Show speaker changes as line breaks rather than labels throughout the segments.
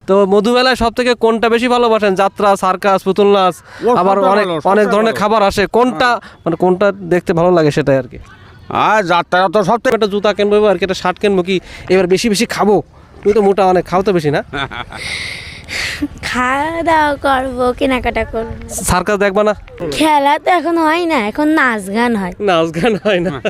তো মধুমেলায় সব থেকে কোনটা বেশি ভালোবাসেন? যাত্রা, সার্কাস, পুতুল নাচ, আবার অনেক অনেক ধরনের খাবার আসে, কোনটা মানে কোনটা দেখতে ভালো লাগে সেটাই আর কি।
আর যাত্রা তো সব থেকে
একটা জুতা কিনবো আর কি, একটা শার্ট কিনবো, কি এবার বেশি বেশি খাবো? তুমি তো মোটা অনেক, খাও তো বেশি না?
খাওয়া দাওয়া করবো, কেনাকাটা করবো।
সার্কাস দেখবা না?
খেলা তো এখন হয় না, এখন নাচ গান হয়।
নাচ গান হয় না।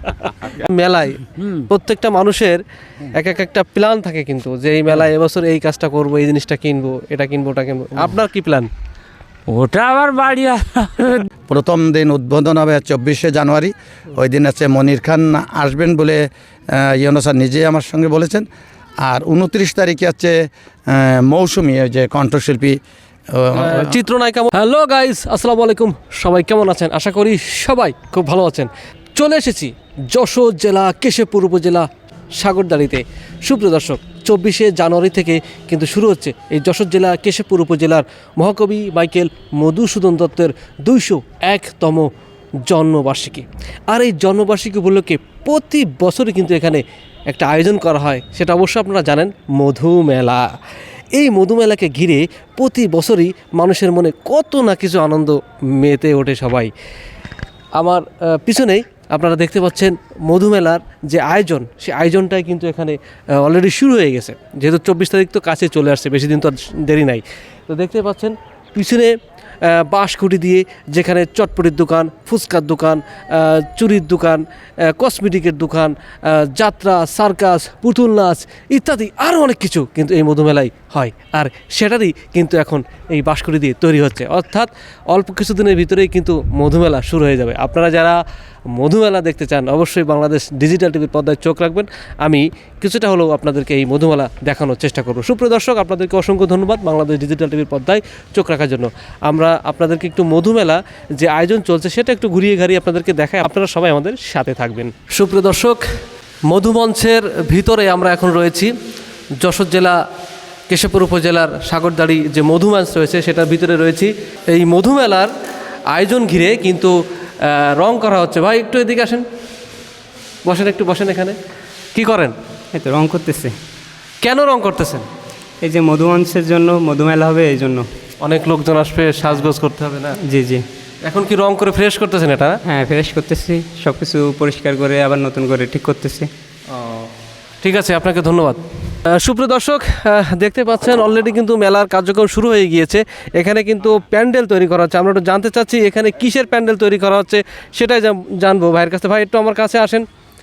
মেলায় প্রত্যেকটা মানুষের এক একটা প্ল্যান থাকে, কিন্তু যে এই মেলায় এবছর এই কাজটা করবো, এই জিনিসটা কিনবো, এটা কিনবো, ওটা কিনবো। আপনার কি প্ল্যান?
ওটা আবার বাড়ি
প্রথম দিন উদ্বোধন হবে 24শে জানুয়ারি। ওই দিন আছে মনির খান আসবেন বলে ইউনূস স্যার নিজেই আমার সঙ্গে বলেছেন। আর 29 তারিখে আছে মৌসুমি, ওই যে কণ্ঠশিল্পী
চিত্রনায়িকা। হ্যালো গাইস, আসসালামু আলাইকুম। সবাই কেমন আছেন? আশা করি সবাই খুব ভালো আছেন। চলে এসেছি যশোর জেলা কেশবপুর উপজেলা সাগরদাড়িতে। সুপ্রিয় দর্শক, 24শে জানুয়ারি থেকে কিন্তু শুরু হচ্ছে এই যশোর জেলা কেশবপুর উপজেলার মহাকবি মাইকেল মধুসূদন দত্তের 201তম জন্মবার্ষিকী। আর এই জন্মবার্ষিকী উপলক্ষে প্রতি বছরই কিন্তু এখানে একটা আয়োজন করা হয়, সেটা অবশ্য আপনারা জানেন, মধুমেলা। এই মধুমেলাকে ঘিরে প্রতি বছরই মানুষের মনে কত না কিছু আনন্দ মেতে ওঠে সবাই। আমার পিছনেই আপনারা দেখতে পাচ্ছেন মধুমেলার যে আয়োজন, সেই আয়োজনটাই কিন্তু এখানে অলরেডি শুরু হয়ে গেছে। যেহেতু 24 তারিখ তো কাছে চলে আসছে, বেশি দিন তো আর দেরি নাই। তো দেখতে পাচ্ছেন পিছনে বাঁশকুটি দিয়ে যেখানে চটপটির দোকান, ফুচকার দোকান, চুরির দোকান, কসমেটিকের দোকান, যাত্রা, সার্কাস, পুতুল নাচ ইত্যাদি আরও অনেক কিছু কিন্তু এই মধুমেলায় হয়। আর সেটারই কিন্তু এখন এই বাঁশকুটি দিয়ে তৈরি হচ্ছে, অর্থাৎ অল্প কিছুদিনের ভিতরেই কিন্তু মধুমেলা শুরু হয়ে যাবে। আপনারা যারা মধুমেলা দেখতে চান অবশ্যই বাংলাদেশ ডিজিটাল টিভির পর্দায় চোখ রাখবেন। আমি কিছুটা হলেও আপনাদেরকে এই মধুমেলা দেখানোর চেষ্টা করব। সুপ্রিয় দর্শক, আপনাদেরকে অসংখ্য ধন্যবাদ বাংলাদেশ ডিজিটাল টিভির পর্দায় চোখ রাখার জন্য। আমরা আপনাদেরকে একটু মধুমেলা যে আয়োজন চলছে সেটা একটু ঘুরিয়ে ঘাড়িয়ে আপনাদেরকে দেখাই, আপনারা সবাই আমাদের সাথে থাকবেন। সুপ্রিয় দর্শক, মধুমঞ্চের ভিতরে আমরা এখন রয়েছি। যশোর জেলা কেশবপুর উপজেলার সাগরদাড়ি যে মধুমঞ্চ রয়েছে সেটার ভিতরে রয়েছি। এই মধুমেলার আয়োজন ঘিরে কিন্তু রং করা হচ্ছে। ভাই একটু এদিকে আসেন, বসেন, একটু বসেন। এখানে কি করেন?
এই তো রং করতেছে।
কেন রং করতেছেন?
এই যে মধুমাংসের জন্য, মধুমেলা হবে এই জন্য।
অনেক লোকজন আসবে, সাজগোজ করতে হবে না?
জি জি।
এখন কি রং করে ফ্রেশ করতেছেন এটা?
হ্যাঁ, ফ্রেশ করতেছি, সব কিছু পরিষ্কার করে আবার নতুন করে ঠিক করতেছি।
ঠিক আছে, আপনাকে ধন্যবাদ। সুপ্রিয় দর্শক, দেখতে পাচ্ছেন অলরেডি কিন্তু মেলার কার্যক্রম শুরু হয়ে গিয়েছে। এখানে কিন্তু প্যান্ডেল তৈরি করা হচ্ছে। আমরা একটু জানতে চাচ্ছি এখানে কিসের প্যান্ডেল তৈরি করা হচ্ছে সেটাই জানবো ভাইয়ের কাছে। ভাই একটু আমার কাছে আসেন।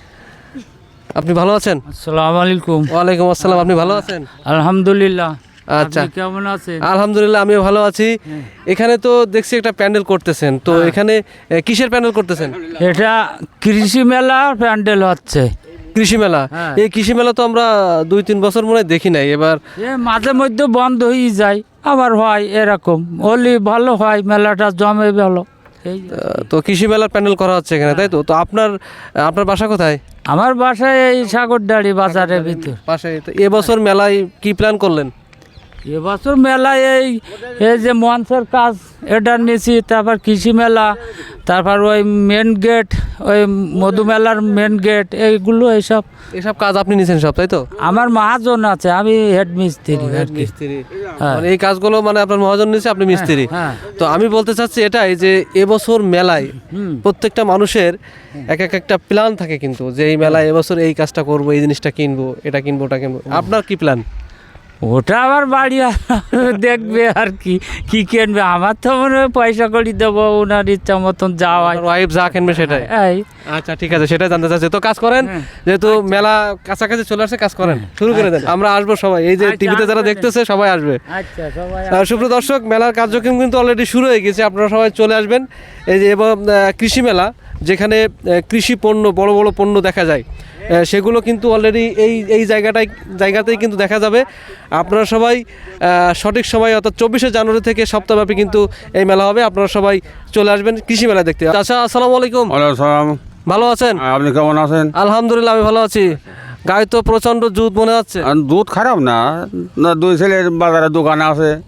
আপনি ভালো আছেন?
আসসালামু আলাইকুম।
ওয়ালাইকুম আসসালাম। আপনি ভালো আছেন?
আলহামদুলিল্লাহ।
আচ্ছা,
আপনি কেমন আছেন?
আলহামদুলিল্লাহ, আমিও ভালো আছি। এখানে তো দেখছি একটা প্যান্ডেল করতেছেন, তো এখানে কিসের প্যান্ডেল করতেছেন?
এটা কৃষি মেলা প্যান্ডেল হচ্ছে।
কৃষি মেলা? এই কৃষি মেলা তো আমরা 2-3 বছর মনে হয় দেখি নাই। এবার
মাঝে মধ্যে বন্ধ হয়ে যায়, আবার হয়, এরকম হলে ভালো হয়, মেলাটা জমে ভালো।
তো কৃষি মেলার প্যান্ডেল করা হচ্ছে এখানে, তাই তো? তো আপনার বাসা কোথায়?
আমার বাসায় এই সাগরদাড়ি বাজারের ভিতর
পাশে। তো এবছর মেলায় কি প্ল্যান করলেন?
এবছর মেলায় এই যে মঞ্চের কাজ এটা নিয়েছি, তারপর কৃষি মেলা, তারপর ওই মেন গেট, ওই মধুমেলার মেন গেট, এইগুলো
এসব কাজ আপনি নিয়েছেন সব, তাই তো?
আমার মহাজন আছে, আমি হেড মিস্ত্রি আর কি।
মিস্ত্রি মানে এই কাজগুলো মানে আপনার মহাজন নিয়েছে, আপনি মিস্ত্রি। তো আমি বলতে চাচ্ছি এটাই যে এবছর মেলায় প্রত্যেকটা মানুষের এক একটা প্ল্যান থাকে, কিন্তু যে এই মেলায় এবছর এই কাজটা করবো, এই জিনিসটা কিনবো, এটা কিনবো, ওটা কিনবো। আপনার কি প্ল্যান?
ওটা আবার বাড়ি দেখবে আর কি কি কিনবে। আমার তো মনে হয় পয়সা করি দেবো, ওনার ইচ্ছা মতন যাওয়াই,
ওয়াইফ যা কিনবে সেটাই। আচ্ছা ঠিক আছে, সেটাই জানতে চাচ্ছি। তো কাজ করেন, যেহেতু মেলা কাছাকাছি চলে আসছে, কাজ করেন, শুরু করে দেন। আমরা আসবো সবাই, এই যে টিভিতে যারা দেখতেছে সবাই আসবে। সুপ্রিয় দর্শক, মেলার কার্যক্রম কিন্তু অলরেডি শুরু হয়ে গেছে, আপনারা সবাই চলে আসবেন। এই যে এবং কৃষি মেলা, যেখানে কৃষি পণ্য, বড় বড় পণ্য দেখা যায়, সেগুলো কিন্তু অলরেডি এই জায়গাতেই কিন্তু দেখা যাবে। আপনারা সবাই সঠিক সময় অর্থাৎ 24শে জানুয়ারি থেকে সপ্তাহব্যাপী কিন্তু এই মেলা হবে। আপনারা সবাই চলে আসবেন কৃষি মেলা দেখতে। আচ্ছা, আসসালামু আলাইকুম। ভালো আছেন?
আপনি কেমন আছেন?
আলহামদুলিল্লাহ, আমি ভালো আছি। গায়ে তো প্রচণ্ড জুত মনে হচ্ছে।
দুধ খারাপ না, দুই ছেলের বাজারে দোকান আছে,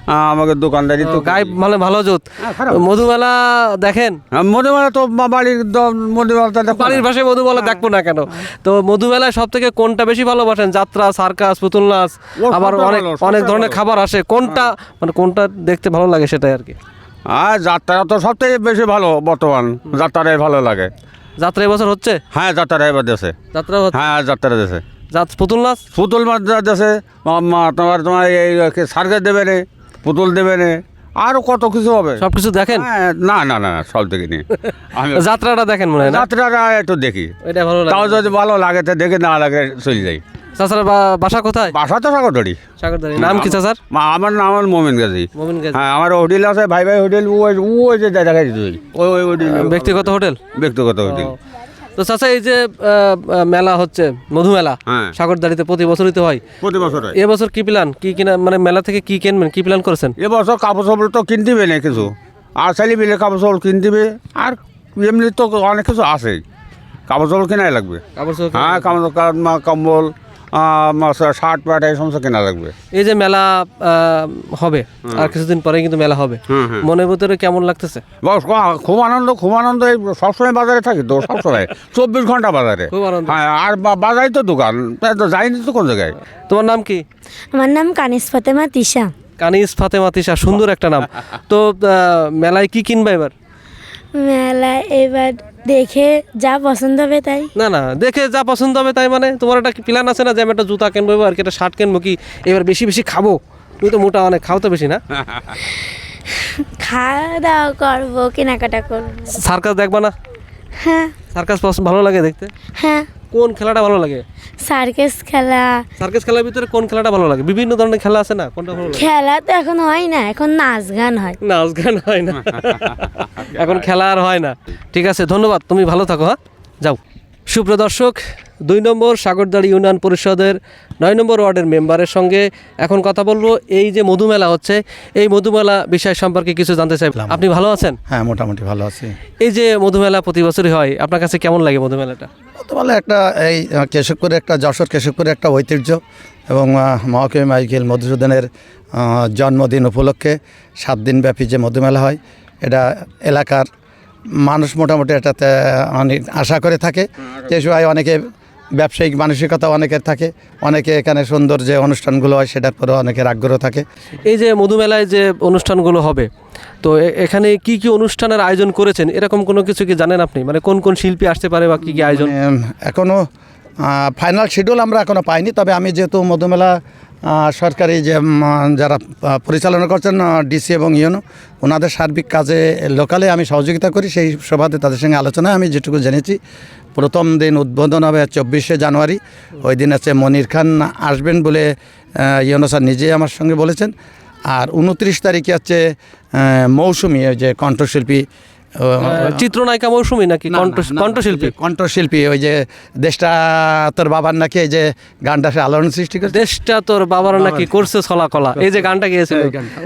আমাকে দোকানদারি তো
গায়ে মানে ভালো জোত।
খারাপ।
মধুমেলা দেখেন?
মধুমেলা তো বাড়ির মধুমেলাটা দেখো
বাড়ির
না।
ভাষায় মধুমেলা দেখবো না কেন? তো মধুমেলায় সব থেকে কোনটা বেশি ভালোবাসেন? যাত্রা, সার্কাস, পুতুল নাচ, আবার
সবটাই
অনেক
ভালো,
অনেক
সবটাই
ধরনের
ভালো।
খাবার আসে, কোনটা মানে কোনটা দেখতে ভালো লাগে সেটাই আর কি।
আর যাত্রা তো সব থেকে বেশি ভালো বর্তমান, যাত্রাটাই ভালো লাগে।
যাত্রা এবছর হচ্ছে?
হ্যাঁ যাত্রা এবার দেশে,
যাত্রা হচ্ছে?
হ্যাঁ যাত্রা দেশে
পুতুল নাচ?
পুতুল মাছ দেশে তোমার এই সার্কাস দেবে নে, পুতুল দেবে নে, আরও কত কিছু হবে।
সবকিছু দেখেন?
হ্যাঁ, না না না সব দেখিনি আমি।
যাত্রাটা দেখেন মনে হয় না?
যাত্রাটা একটু দেখি,
এটা ভালো
তাও
লাগে।
যদি ভালো লাগে তো দেখে, না লাগে চলে যাই।
চাচার বাসা কোথায়?
বাসা তো সাগরদড়ি।
সাগরদারি। নাম কি চাচার?
আমার নাম আমার মোমিন গাজী।
মোমিন গাজী।
হ্যাঁ, আমার হোটেল আছে, ভাই ভাই হোটেল, ওই যে দেখা যাচ্ছে ওই হোটেল,
ব্যক্তিগত হোটেল?
ব্যক্তিগত হোটেল।
তো চাচা এই যে মেলা হচ্ছে মধুমেলা,
হ্যাঁ।
সাগরদারিতে প্রতি বছরই তো হয়,
প্রতি বছর হয়।
এবছর কি প্ল্যান? কি কিনা মানে মেলা থেকে কি কিনবেন, কি প্ল্যান করেছেন?
এবছর কাপড় সাপড় তো কিনতে হবে না কিছু, আর চাইলে মিলে কাপড় সাপড় কিনতে হবে, আর এমনি তো অনেক কিছু আছে, কাপড় সাপড় কেনাই লাগবে।
কাপড় চোপড়
হ্যাঁ, কম্বল, শার্ট প্যান্ট এই সমস্ত কেনা লাগবে।
এই যে মেলা হবে আর কিছুদিন পরে কিন্তু মেলা হবে,
হুম, হুম।
মনের ভিতরে কেমন লাগতেছে?
বস, খুব আনন্দ, খুব আনন্দ। এই সবসময় বাজারে থাকি তো, সবসময় 24 ঘন্টা বাজারে।
খুব আনন্দ।
হ্যাঁ, আর বাজারই তো দোকান, তাই তো যাইনি তো কোন জায়গায়।
তোমার নাম কি?
আমার নাম কানিস ফাতেমা তিশা।
কানিস ফাতেমা তিশা, সুন্দর একটা নাম। তো মেলায় কি কিনবা এবার?
মেলা এবার দেখে যা পছন্দ হবে তাই।
না না, দেখে যা পছন্দ হবে তাই মানে? তোমার একটা প্ল্যান আছে না যে আমি একটা জুতা কিনবো আর কি, একটা শার্ট কিনবো, কি এবার বেশি বেশি খাবো? তুমি তো মোটা অনেক, খাও তো বেশি না?
খাওয়া দাওয়া করবো, কেনাকাটা করবো।
সার্কাস দেখবা না?
হ্যাঁ
সার্কাস ভালো লাগে দেখতে?
হ্যাঁ,
কোন খেলাটা ভালো লাগে?
সার্কাস খেলা।
সার্কাস খেলার ভিতরে কোন খেলাটা ভালো লাগে? বিভিন্ন ধরনের খেলা আছে না, কোনটা ভালো লাগে?
খেলা তো এখন হয় না, এখন নাচ গান হয়।
নাচ গান হয় না এখন খেলা আর হয় না। ঠিক আছে, ধন্যবাদ, তুমি ভালো থাকো। হ্যাঁ, যাও। সুপ্রিয় দর্শক, 2 নম্বর সাগরদাড়ি ইউনিয়ন পরিষদের 9 নম্বর ওয়ার্ডের মেম্বারের সঙ্গে এখন কথা বলবো। এই যে মধুমেলা হচ্ছে, এই মধুমেলা বিষয় সম্পর্কে কিছু জানতে চাই। আপনি ভালো আছেন?
হ্যাঁ, মোটামুটি ভালো আছি।
এই যে মধুমেলা প্রতি বছরই হয়, আপনার কাছে কেমন লাগে মধুমেলাটা?
তো বলে একটা এই কেশবপুরে একটা, যশোর কেশবপুরে একটা ঐতিহ্য, এবং মহাকবি মাইকেল মধুসূদনের জন্মদিন উপলক্ষে 7 দিনব্যাপী যে মধুমেলা হয়, এটা এলাকার মানুষ মোটামুটি এটাতে অনেক আশা করে থাকে। যে সময় অনেকে ব্যবসায়িক মানসিকতা অনেকের থাকে, অনেকে এখানে সুন্দর যে অনুষ্ঠানগুলো হয় সেটার পরে অনেকের আগ্রহ থাকে।
এই যে মধুমেলায় যে অনুষ্ঠানগুলো হবে, তো এখানে কি কি অনুষ্ঠানের আয়োজন করেছেন, এরকম কোনো কিছু কি জানেন আপনি? মানে কোন কোন শিল্পী আসতে পারে বা কি কি আয়োজন?
এখনও ফাইনাল শিডিউল আমরা এখনও পাইনি, তবে আমি যেহেতু মধুমেলা সরকারি যে যারা পরিচালনা করছেন, ডিসি এবং ইউনো, ওনাদের সার্বিক কাজে লোকালে আমি সহযোগিতা করি, সেই সুবাদে তাদের সঙ্গে আলোচনায় আমি যেটুকু জেনেছি, প্রথম দিন উদ্বোধন হবে 24শে জানুয়ারি। ওই দিন আছে মনির খান আসবেন বলে ইউনো স্যার নিজেই আমার সঙ্গে বলেছেন। আর 29 তারিখে হচ্ছে মৌসুমি, ওই যে কণ্ঠশিল্পী,
চিত্রনায়িকা মৌসুমী নাকি কণ্ঠশিল্পী?
কণ্ঠশিল্পী, ওই যে দেশটা তোর বাবার নাকি এই যে গানটা সে আলোড়ন সৃষ্টি করে,
দেশটা তোর বাবার নাকি করছে ছলা কলা, এই যে গানটা গিয়েছিল,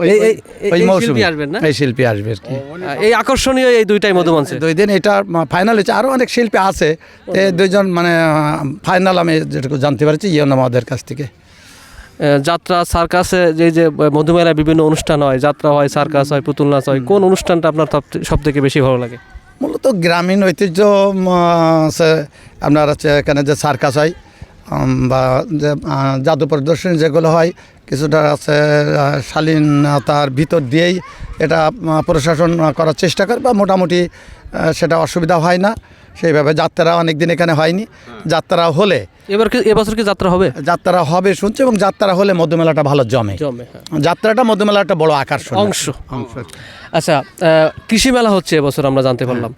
ওই মৌসুমি
শিল্পী আসবেন না?
এই শিল্পী আসবে আর কি।
এই আকর্ষণীয় এই দুইটাই মধুমঞ্চে
2 দিন এটা ফাইনাল হয়েছে, আরও অনেক শিল্পী আছে। তো 2জন মানে ফাইনাল আমি যেটুকু জানতে পারছি ইয়ন আমাদের কাছ থেকে।
যাত্রা, সার্কাসে যে মধুমেলায় বিভিন্ন অনুষ্ঠান হয়, যাত্রা হয়, সার্কাস হয়, পুতুল নাচ হয়, কোন অনুষ্ঠানটা আপনার সব থেকে বেশি ভালো লাগে?
মূলত গ্রামীণ ঐতিহ্য আপনার হচ্ছে এখানে যে সার্কাস হয়, বা যে জাদু প্রদর্শনী যেগুলো হয়, কিছুটা আছে শালীনতার ভিতর দিয়েই এটা প্রশাসন করার চেষ্টা করে, বা মোটামুটি সেটা অসুবিধা হয় না সেইভাবে। যাত্রা অনেক দিন এখানে হয়নি, যাত্রা হলে
এবছর কি যাত্রা হবে?
যাত্রা হবে শুনছি, এবং যাত্রা হলে মধুমেলাটা ভালো জমে।
হ্যাঁ।
যাত্রাটা মধুমেলার একটা বড় আকর্ষণ
অংশ। আচ্ছা, কৃষি মেলা হচ্ছে এবছর, আমরা জানতে পারলাম।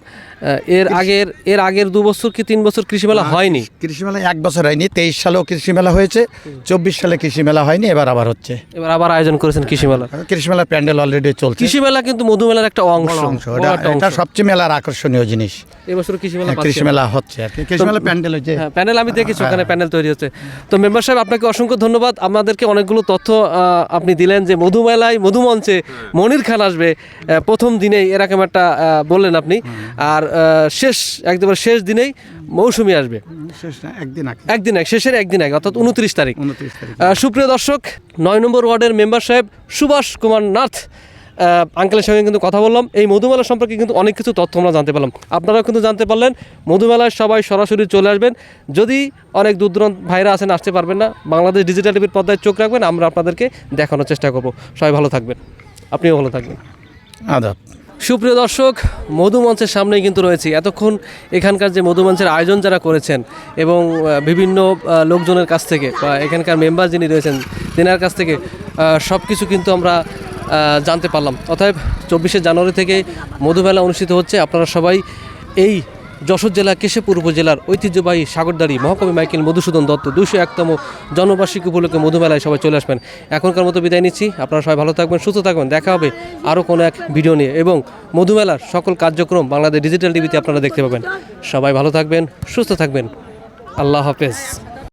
এর আগের 2 বছর কি 3 বছর কৃষি মেলা হয়নি?
কৃষি মেলা 1 বছর হয়নি, 23 সালেও কৃষি মেলা হয়েছে, 24 সালে কৃষি মেলা হয়নি, এবার আবার হচ্ছে।
এবার আবার আয়োজন করেছেন কৃষি মেলা।
কৃষি মেলার প্যান্ডেল অলরেডি চলছে।
কৃষি মেলা কিন্তু মধুমেলার একটা অংশ,
এটা সবচেয়ে মেলার আকর্ষণীয় জিনিস।
এবছর কৃষি মেলা
কৃষি মেলা হচ্ছে আর কি, কৃষি মেলা প্যান্ডেল হচ্ছে।
হ্যাঁ, প্যানেল আমি দেখেছি, ওখানে প্যানেল তৈরি হচ্ছে। তো মেম্বার সাহেব, আপনাকে অসংখ্য ধন্যবাদ, আমাদেরকে অনেকগুলো তথ্য আপনি দিলেন যে মধুমেলায়, মধুমঞ্চে মনির খান আসবে, প্রথম দিনেই এরকম একটা বললেন আপনি, আর একদম শেষ দিনেই মৌসুমি আসবে,
শেষ না, একদিন আগে,
একদিন আগে, শেষের একদিন আগে, অর্থাৎ 29 তারিখ।
29 তারিখ।
সুপ্রিয় দর্শক, 9 নম্বর ওয়ার্ডের মেম্বার সাহেব সুভাষ কুমার নাথ আঙ্কেলের সঙ্গে কিন্তু কথা বললাম। এই মধুমেলা সম্পর্কে কিন্তু অনেক কিছু তথ্য আমরা জানতে পারলাম, আপনারাও কিন্তু জানতে পারলেন। মধুমেলায় সবাই সরাসরি চলে আসবেন। যদি অনেক দূর দূরান্ত ভাইরা আছেন, আসতে পারবেন না, বাংলাদেশ ডিজিটাল টিভির পর্দায় চোখ রাখবেন, আমরা আপনাদেরকে দেখানোর চেষ্টা করব। সবাই ভালো থাকবেন, আপনিও ভালো থাকবেন।
আদাব।
সুপ্রিয় দর্শক, মধুমঞ্চের সামনেই কিন্তু রয়েছি। এতক্ষণ এখানকার যে মধুমঞ্চের আয়োজন যারা করেছেন এবং বিভিন্ন লোকজনের কাছ থেকে বা এখানকার মেম্বার যিনি রয়েছেন তেনার কাছ থেকে সব কিছু কিন্তু আমরা জানতে পারলাম। অতএব 24শে জানুয়ারি থেকে মধুমেলা অনুষ্ঠিত হচ্ছে। আপনারা সবাই এই যশোর জেলা কেশবপুর উপজেলার ঐতিহ্যবাহী সাগরদাড়ি মহাকবি মাইকেল মধুসূদন দত্ত 201তম জন্মবার্ষিকী উপলক্ষে মধুমেলায় সবাই চলে আসবেন। এখনকার মতো বিদায় নিচ্ছি। আপনারা সবাই ভালো থাকবেন, সুস্থ থাকবেন। দেখা হবে আরও কোনো এক ভিডিও নিয়ে, এবং মধুমেলার সকল কার্যক্রম বাংলাদেশ ডিজিটাল টিভিতে আপনারা দেখতে পাবেন। সবাই ভালো থাকবেন, সুস্থ থাকবেন। আল্লাহ হাফেজ।